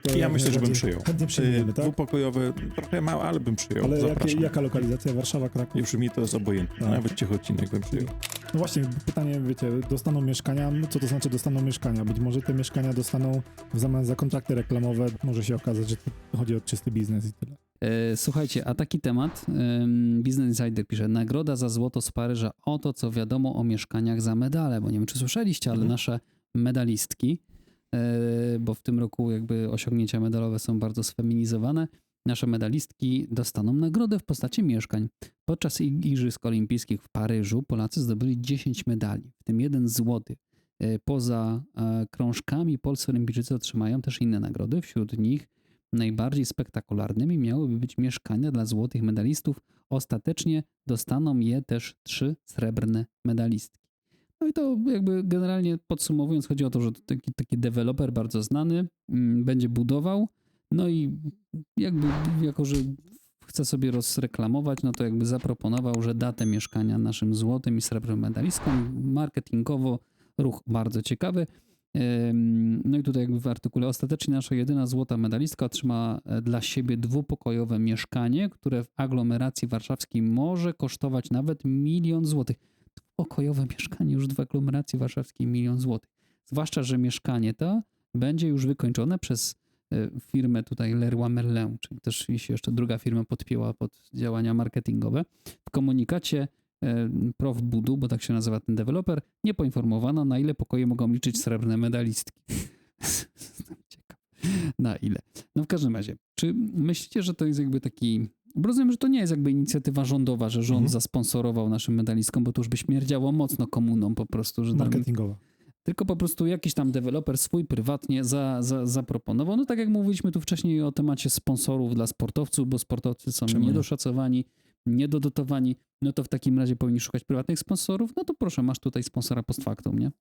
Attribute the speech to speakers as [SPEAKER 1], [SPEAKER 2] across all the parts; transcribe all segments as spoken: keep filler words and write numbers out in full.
[SPEAKER 1] To
[SPEAKER 2] Ja myślę, że bym przyjął.
[SPEAKER 1] Chętnie przyjmiemy, tak?
[SPEAKER 2] Dwupokojowe, trochę małe, ale bym przyjął.
[SPEAKER 1] Ale jakie,
[SPEAKER 2] Zapraszam.
[SPEAKER 1] jaka lokalizacja? Warszawa, Kraków?
[SPEAKER 2] Już mi to jest obojętne.
[SPEAKER 1] Tak.
[SPEAKER 2] Nawet Ciechocinek bym przyjął.
[SPEAKER 1] No właśnie, pytanie, wiecie, dostaną mieszkania, co to znaczy dostaną mieszkania? Być może te mieszkania dostaną w zamian za kontrakty reklamowe, może się okazać, że to chodzi o czysty biznes i tyle.
[SPEAKER 3] E, Słuchajcie, a taki temat, ym, Business Insider pisze, nagroda za złoto z Paryża, oto co wiadomo o mieszkaniach za medale, bo nie wiem, czy słyszeliście, ale
[SPEAKER 2] Mhm.
[SPEAKER 3] nasze medalistki, e, bo w tym roku jakby osiągnięcia medalowe są bardzo sfeminizowane, nasze medalistki dostaną nagrodę w postaci mieszkań. Podczas ig- Igrzysk Olimpijskich w Paryżu Polacy zdobyli dziesięć medali, w tym jeden złoty. E, Poza e, krążkami polscy olimpijczycy otrzymają też inne nagrody, wśród nich najbardziej spektakularnymi miałyby być mieszkania dla złotych medalistów. Ostatecznie dostaną je też trzy srebrne medalistki. No i to jakby generalnie podsumowując, chodzi o to, że taki, taki deweloper bardzo znany mm, będzie budował, no i jakby jako, że chce sobie rozreklamować, no to jakby zaproponował, że da te mieszkania naszym złotym i srebrnym medalistkom. Marketingowo ruch bardzo ciekawy. Ym, No i tutaj jakby w artykule ostatecznie nasza jedyna złota medalistka otrzyma e, dla siebie dwupokojowe mieszkanie, które w aglomeracji warszawskiej może kosztować nawet milion złotych. Dwupokojowe mieszkanie już w aglomeracji warszawskiej milion złotych. Zwłaszcza, że mieszkanie to będzie już wykończone przez e, firmę tutaj Leroy Merlin, czyli też się jeszcze druga firma podpięła pod działania marketingowe. W komunikacie e, Prof Budu, bo tak się nazywa ten deweloper, nie poinformowano, na ile pokoje mogą liczyć srebrne medalistki. Ciekawe. Na ile. No w każdym razie, czy myślicie, że to jest jakby taki... Bo rozumiem, że to nie jest jakby inicjatywa rządowa, że rząd
[SPEAKER 2] Mhm.
[SPEAKER 3] zasponsorował naszym medalistkom, bo to już by śmierdziało mocno komuną po prostu, że tam,
[SPEAKER 1] Marketingowa.
[SPEAKER 3] tylko po prostu jakiś tam deweloper swój prywatnie za, za, zaproponował. No tak jak mówiliśmy tu wcześniej o temacie sponsorów dla sportowców, bo sportowcy są
[SPEAKER 2] Czemu nie?
[SPEAKER 3] niedoszacowani, niedodotowani, no to w takim razie powinni szukać prywatnych sponsorów, no to proszę, masz tutaj sponsora post factum, nie?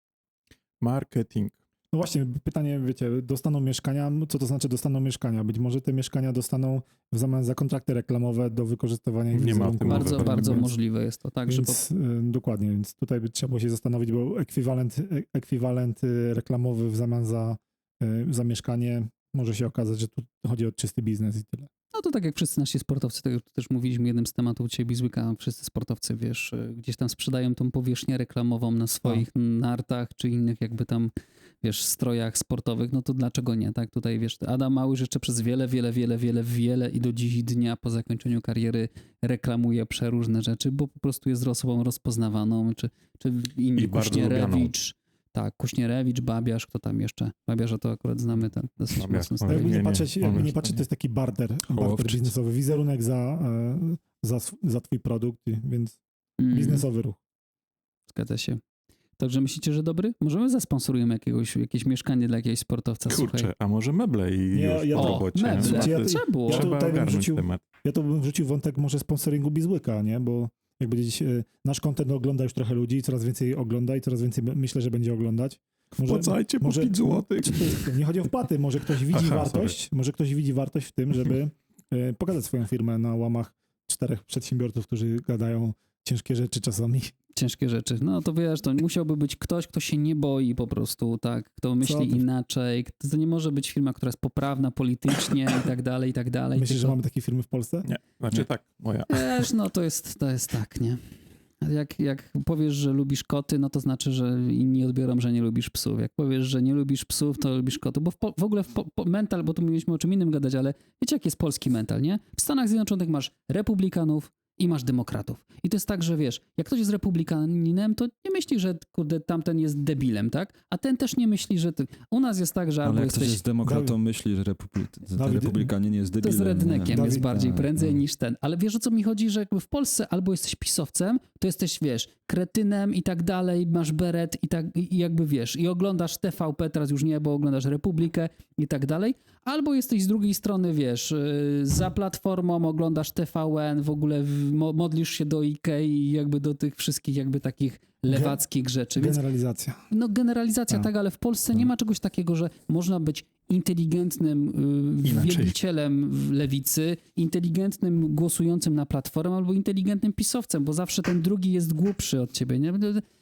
[SPEAKER 2] Marketing.
[SPEAKER 1] No właśnie, pytanie, wiecie, dostaną mieszkania, co to znaczy dostaną mieszkania? Być może te mieszkania dostaną w zamian za kontrakty reklamowe do wykorzystywania ich
[SPEAKER 2] Nie ma
[SPEAKER 1] wizerunku.
[SPEAKER 2] w tym mowy.
[SPEAKER 3] Bardzo,
[SPEAKER 2] pewnie,
[SPEAKER 3] bardzo
[SPEAKER 2] więc-
[SPEAKER 3] możliwe jest to, tak, że po,
[SPEAKER 1] Więc, y, dokładnie, więc tutaj by trzeba było się zastanowić, bo ekwiwalent, e- ekwiwalent y, reklamowy w zamian za, y, za mieszkanie może się okazać, że tu chodzi o czysty biznes i tyle.
[SPEAKER 3] no to tak jak wszyscy nasi sportowcy, tak jak tu też mówiliśmy jednym z tematów dzisiaj Bizweeka, wszyscy sportowcy, wiesz, y, gdzieś tam sprzedają tą powierzchnię reklamową na swoich nartach, czy innych jakby tam, wiesz, strojach sportowych, no to dlaczego nie, tak? Tutaj, wiesz, Adam Małysz jeszcze przez wiele, wiele, wiele, wiele, wiele i do dziś dnia po zakończeniu kariery reklamuje przeróżne rzeczy, bo po prostu jest osobą rozpoznawaną, czy, czy inni,
[SPEAKER 2] I bardzo
[SPEAKER 3] Kuśnierewicz, tak, Kuśnierewicz, Babiarz, kto tam jeszcze? Babiarza to akurat znamy ten dosyć
[SPEAKER 2] Babiarz,
[SPEAKER 3] mocno.
[SPEAKER 2] no,
[SPEAKER 3] stary.
[SPEAKER 1] Jakby
[SPEAKER 2] nie,
[SPEAKER 1] nie,
[SPEAKER 2] nie,
[SPEAKER 1] patrzeć,
[SPEAKER 2] on
[SPEAKER 1] jakby
[SPEAKER 2] już
[SPEAKER 1] nie patrzeć,
[SPEAKER 2] to
[SPEAKER 1] to jest taki barter, barter
[SPEAKER 2] Hołowczyć.
[SPEAKER 1] biznesowy, wizerunek za, e, za, sw- za twój produkt, i- więc
[SPEAKER 3] Mm.
[SPEAKER 1] biznesowy ruch.
[SPEAKER 3] Zgadza się. Także myślicie, że dobry? Możemy zasponsorujemy jakiegoś, jakieś mieszkanie dla jakiegoś sportowca, słuchaj.
[SPEAKER 2] Kurczę, a może meble i
[SPEAKER 1] Nie,
[SPEAKER 2] już
[SPEAKER 1] ja
[SPEAKER 2] po
[SPEAKER 1] to-
[SPEAKER 2] robocie.
[SPEAKER 3] meble.
[SPEAKER 2] No,
[SPEAKER 1] Słuchajcie, ja
[SPEAKER 2] to
[SPEAKER 1] to-
[SPEAKER 3] Trzeba było.
[SPEAKER 1] ja to-
[SPEAKER 2] Trzeba
[SPEAKER 1] tutaj bym
[SPEAKER 2] ogarnąć
[SPEAKER 1] wrzucił-
[SPEAKER 2] temat.
[SPEAKER 1] Ja to bym wrzucił wątek może sponsoringu Bizłyka, nie? Bo jak będzie e, nasz content ogląda już trochę ludzi, coraz więcej ogląda i coraz więcej myślę, że będzie oglądać. Może-
[SPEAKER 2] Wpłacajcie po
[SPEAKER 1] może-
[SPEAKER 2] pięć złotych.
[SPEAKER 1] Czy to jest- Nie chodzi o wpłaty, może ktoś widzi
[SPEAKER 2] Aha,
[SPEAKER 1] wartość, może ktoś widzi wartość w tym, żeby e, pokazać swoją firmę na łamach czterech przedsiębiorców, którzy gadają ciężkie rzeczy czasami.
[SPEAKER 3] Ciężkie rzeczy. No to wiesz, to musiałby być ktoś, kto się nie boi po prostu, tak? Kto myśli
[SPEAKER 1] ty?
[SPEAKER 3] inaczej. To nie może być firma, która jest poprawna politycznie i tak dalej, i tak dalej.
[SPEAKER 1] Myślisz, że
[SPEAKER 3] tylko-
[SPEAKER 1] mamy takie firmy w Polsce?
[SPEAKER 2] Nie, znaczy
[SPEAKER 3] Nie.
[SPEAKER 2] tak, moja.
[SPEAKER 3] Wiesz, no to jest, to jest tak, nie? Jak, jak powiesz, że lubisz koty, no to znaczy, że inni odbiorą, że nie lubisz psów. Jak powiesz, że nie lubisz psów, to lubisz koty. Bo w, po, w ogóle w po, po, mental, bo tu mieliśmy o czym innym gadać, ale wiecie, jak jest polski mental, nie? W Stanach Zjednoczonych masz republikanów i masz demokratów. I to jest tak, że wiesz, jak ktoś jest republikaninem, to nie myśli, że kurde, tamten jest debilem, tak? A ten też nie myśli, że ty... U nas jest tak, że albo
[SPEAKER 4] Ale jak
[SPEAKER 3] jesteś...
[SPEAKER 4] ktoś jest demokratą,
[SPEAKER 1] Dawid-
[SPEAKER 4] myśli, że republi... ten
[SPEAKER 1] Dawid-
[SPEAKER 4] republikanin jest
[SPEAKER 3] To
[SPEAKER 4] debilem.
[SPEAKER 3] z rednekiem
[SPEAKER 4] nie?
[SPEAKER 3] jest
[SPEAKER 1] Dawid-
[SPEAKER 3] bardziej
[SPEAKER 4] tak,
[SPEAKER 3] prędzej
[SPEAKER 4] no.
[SPEAKER 3] niż ten. Ale wiesz, o co mi chodzi, że jakby w Polsce albo jesteś pisowcem, to jesteś, wiesz, kretynem i tak dalej, masz beret i tak i jakby wiesz, i oglądasz T V P, teraz już nie, bo oglądasz Republikę i tak dalej, albo jesteś z drugiej strony, wiesz, yy, za platformą oglądasz T V N, w ogóle w, mo, modlisz się do Ikei i jakby do tych wszystkich jakby takich lewackich rzeczy. Więc
[SPEAKER 1] Generalizacja.
[SPEAKER 3] no generalizacja
[SPEAKER 1] Tak.
[SPEAKER 3] tak, ale w Polsce
[SPEAKER 1] Tak.
[SPEAKER 3] nie ma czegoś takiego, że można być inteligentnym y,
[SPEAKER 2] Inaczej.
[SPEAKER 3] wielbicielem w lewicy, inteligentnym głosującym na platformę albo inteligentnym pisowcem, bo zawsze ten drugi jest głupszy od ciebie. Nie?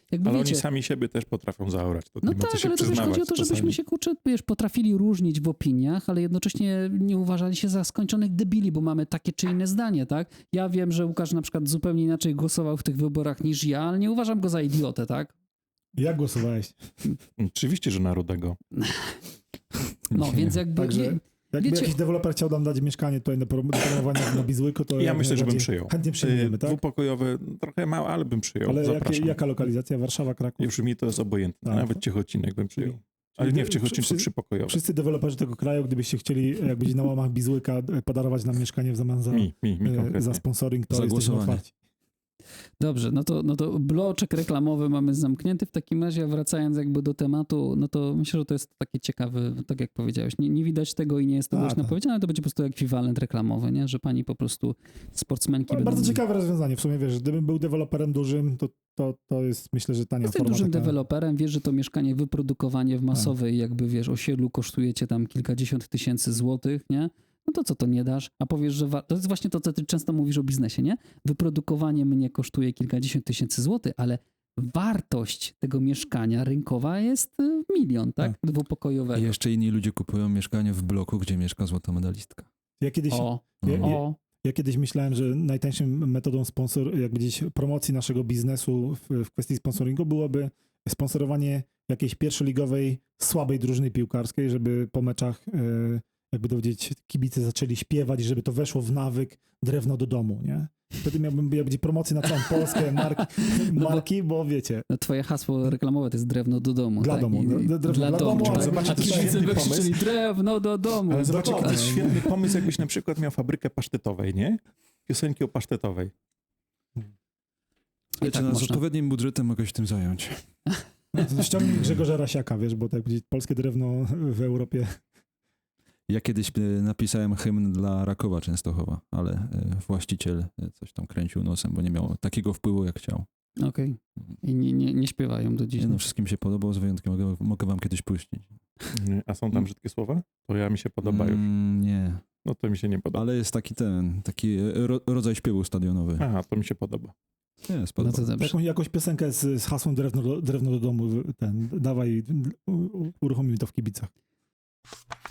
[SPEAKER 3] jakby
[SPEAKER 2] Ale
[SPEAKER 3] wiecie,
[SPEAKER 2] oni sami siebie też potrafią zaorać. To
[SPEAKER 3] no
[SPEAKER 2] nie ma co
[SPEAKER 3] tak,
[SPEAKER 2] się
[SPEAKER 3] ale to też
[SPEAKER 2] przyznawać
[SPEAKER 3] chodzi o to, żebyśmy
[SPEAKER 2] czasami.
[SPEAKER 3] się, kurczę, wiesz, potrafili różnić w opiniach, ale jednocześnie nie uważali się za skończonych debili, bo mamy takie czy inne zdanie, tak? Ja wiem, że Łukasz na przykład zupełnie inaczej głosował w tych wyborach niż ja, ale nie uważam go za idiotę, tak?
[SPEAKER 1] Jak głosowałeś?
[SPEAKER 2] Oczywiście, że na Rudego.
[SPEAKER 3] No, więc jakby...
[SPEAKER 1] Także
[SPEAKER 3] nie-
[SPEAKER 1] jakby
[SPEAKER 3] wiecie-
[SPEAKER 1] jakiś deweloper chciał nam dać mieszkanie tutaj do prom- do promowania na Bizłyku, to
[SPEAKER 2] Ja
[SPEAKER 1] jak
[SPEAKER 2] myślę, że bym
[SPEAKER 1] najbardziej
[SPEAKER 2] przyjął.
[SPEAKER 1] Chętnie przyjmiemy,
[SPEAKER 2] Y,
[SPEAKER 1] tak?
[SPEAKER 2] Dwupokojowe, trochę małe, ale bym przyjął.
[SPEAKER 1] Ale jakie,
[SPEAKER 2] Zapraszam.
[SPEAKER 1] jaka lokalizacja? Warszawa, Kraków?
[SPEAKER 2] Już mi to jest obojętne.
[SPEAKER 1] Tak.
[SPEAKER 2] Nawet Ciechocinek bym przyjął.
[SPEAKER 1] Czyli-
[SPEAKER 2] Ale nie w
[SPEAKER 1] czyli
[SPEAKER 2] Ciechocinku,
[SPEAKER 1] wszyscy-
[SPEAKER 2] trzypokojowe.
[SPEAKER 1] Wszyscy deweloperzy tego kraju, gdybyście chcieli jak być na łamach Bizłyka e, podarować nam mieszkanie w zamian za,
[SPEAKER 2] Mi, mi, mi
[SPEAKER 1] e,
[SPEAKER 2] konkretnie.
[SPEAKER 1] za sponsoring, to
[SPEAKER 4] Za
[SPEAKER 1] jesteśmy
[SPEAKER 4] głosowanie.
[SPEAKER 1] otwarci.
[SPEAKER 3] Dobrze, no to, no to bloczek reklamowy mamy zamknięty. W takim razie, wracając jakby do tematu, no to myślę, że to jest takie ciekawe, tak jak powiedziałeś. Nie, nie widać tego i nie jest to
[SPEAKER 1] A,
[SPEAKER 3] głośno
[SPEAKER 1] tak.
[SPEAKER 3] powiedziane, ale to będzie po prostu ekwiwalent reklamowy, nie? Że pani po prostu sportsmenki
[SPEAKER 1] Ale
[SPEAKER 3] będą...
[SPEAKER 1] bardzo ciekawe rozwiązanie. W sumie wiesz, gdybym był deweloperem dużym, to, to, to jest myślę, że tania
[SPEAKER 3] Jesteś
[SPEAKER 1] forma.
[SPEAKER 3] dużym
[SPEAKER 1] taka.
[SPEAKER 3] deweloperem, wiesz, że to mieszkanie, wyprodukowanie w masowej jakby, wiesz, osiedlu kosztuje cię tam kilkadziesiąt tysięcy złotych, nie? No to co to nie dasz? A powiesz, że wa- to jest właśnie to, co ty często mówisz o biznesie, nie? Wyprodukowanie mnie kosztuje kilkadziesiąt tysięcy złotych, ale wartość tego mieszkania rynkowa jest y, milion, tak?
[SPEAKER 1] Tak.
[SPEAKER 3] Dwupokojowego.
[SPEAKER 4] I jeszcze inni ludzie kupują mieszkanie w bloku, gdzie mieszka złota medalistka.
[SPEAKER 1] Ja kiedyś,
[SPEAKER 3] O,
[SPEAKER 1] ja, ja,
[SPEAKER 3] o,
[SPEAKER 1] ja kiedyś myślałem, że najtańszą metodą sponsor, jakby gdzieś promocji naszego biznesu w, w kwestii sponsoringu byłoby sponsorowanie jakiejś pierwszoligowej, słabej drużyny piłkarskiej, żeby po meczach e, jakby dowiedzieć, kibice zaczęli śpiewać, żeby to weszło w nawyk drewno do domu, nie? Wtedy miałbym jakby promocję na całą Polskę, marki,
[SPEAKER 3] bo-
[SPEAKER 1] marki bo wiecie,
[SPEAKER 3] no twoje hasło reklamowe to jest drewno do domu.
[SPEAKER 1] Dla
[SPEAKER 3] tak?
[SPEAKER 1] domu,
[SPEAKER 3] I-
[SPEAKER 1] no,
[SPEAKER 3] i-
[SPEAKER 1] drewno dla domu,
[SPEAKER 3] tak.
[SPEAKER 1] ale
[SPEAKER 2] zobaczcie,
[SPEAKER 3] A
[SPEAKER 2] to jest
[SPEAKER 3] kibice
[SPEAKER 2] świetny
[SPEAKER 3] by krzyczeli
[SPEAKER 2] pomysł.
[SPEAKER 3] drewno do domu.
[SPEAKER 2] Ale zobaczcie, to
[SPEAKER 1] dokładnie.
[SPEAKER 2] jest świetny pomysł, jakbyś na przykład miał fabrykę pasztetowej, nie? Piosenki o pasztetowej.
[SPEAKER 3] I
[SPEAKER 4] Wiecie,
[SPEAKER 3] tak
[SPEAKER 4] no, z
[SPEAKER 3] można.
[SPEAKER 4] odpowiednim budżetem mogę się tym zająć.
[SPEAKER 1] no, ściągnij Grzegorza Rasiaka, wiesz, bo tak powiedzieć, polskie drewno w Europie.
[SPEAKER 4] Ja kiedyś e, napisałem hymn dla Rakowa Częstochowa, ale e, właściciel e, coś tam kręcił nosem, bo nie miał takiego wpływu, jak chciał.
[SPEAKER 3] Okej. I nie, nie, nie śpiewają do dziś.
[SPEAKER 4] Nie, no, wszystkim się podobał, z wyjątkiem mogę, mogę wam kiedyś puścić.
[SPEAKER 2] Nie, A są tam brzydkie słowa? To ja mi się podoba już.
[SPEAKER 4] Mm, nie,
[SPEAKER 2] No to mi się nie podoba.
[SPEAKER 4] ale jest taki ten, taki e, ro, rodzaj śpiewu stadionowy.
[SPEAKER 2] Aha, to mi się podoba.
[SPEAKER 4] Nie,
[SPEAKER 3] No
[SPEAKER 4] spodoba.
[SPEAKER 3] to dobrze.
[SPEAKER 1] Jakąś, jakąś piosenkę z, z hasłem drewno do, drewno do domu, ten, dawaj, u- u- uruchomimy to w kibicach.